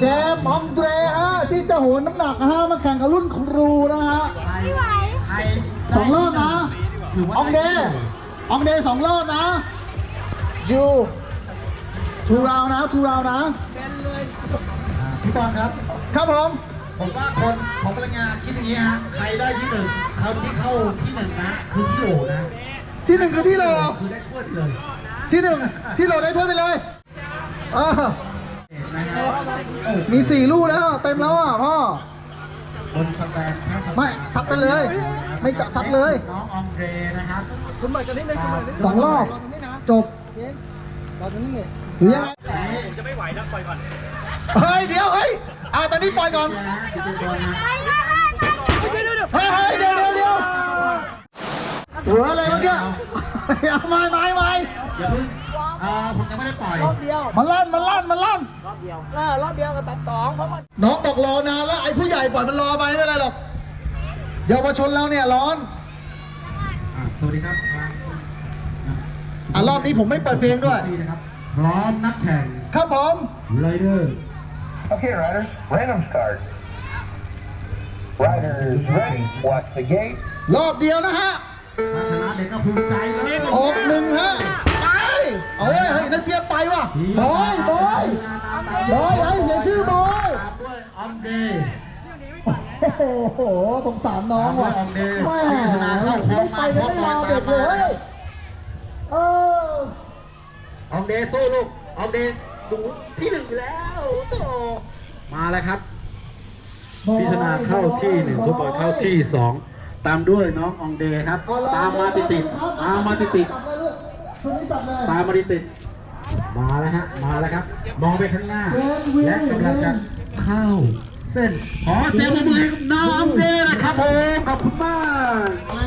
มส์อองเดรฮะที่จะโหนน้ำหนักฮะมาแข่งกับรุ่นครูนะฮะ2 รอบนะอองเดย์2 รอบนะยูทูราวนะพี่บอลครับครับผมว่าคนของพลังงานคิดอย่างนี้ฮะใครได้ที่ 1เขาที่เข้าที่ 1นะคือที่โหลนะที่ 1คือที่โหลคือได้ถ้วยเลยที่ 1ที่โหลได้ถ้วยไปเลยมี4 ลูกแล้วเต็มแล้วอ่ะพ่อคนสแตนไม่ทัดกันเลยไม่จับทัดเลยน้องอองเดรนะครับคุณหมายจะนี่ไม่คุณหมาย 2 รอบจบหรือยังไงผมจะไม่ไหวแล้วปล่อยก่อนเฮ้ยเดี๋ยวตอนนี้ปล่อยก่อนเฮ้ยเดี๋ยวหัวอะไรเมื่อกี้ไม่อย่าเพิ่งผมยังไม่ได้ปล่อยรอบเดียวมันลั่นรอบเดียวก็ตัด2เพราะว่าน้องบอกรอนานแล้วไอ้ผู้ใหญ่ปล่อยมันรอไปไม่เป็นไรหรอกเยาวชนเราเนี่ยร้อนสวัสดีครับรอบนี้ผมไม่เปิดเพลงด้วยพร้อมนักแข่งครับผมไรเดอร์ Okay, riders, random start. Riders ready. Watch the gate. รอบเดียวนะฮะชนะเด็กก็ภูมิใจเลยออก1ฮะไปเอาเฮ้ยนักเจี๊ยบไปว่ะบอยไอ้เสียชื่อบอยด้วยอองเดย์โอ้โหสงสารน้องว่ะอองเดย์พิจารณาเข้าโค้งมาพบมาตามมาอองเดย์สู้ลูกอองเดย์ดูที่ 1แล้วโตมาแล้วครับพิจารณาเข้าที่ 1 ฟุตบอลเข้าที่ 2ตามด้วยน้องอองเดย์ครับตามมาติดมาแล้วฮะมาแล้วครับมองไปข้างหน้าและกำลังจะเข้าเส้นขอเสียงปรบมือให้น้องอองเดย์นะครับผมขอบคุณมาก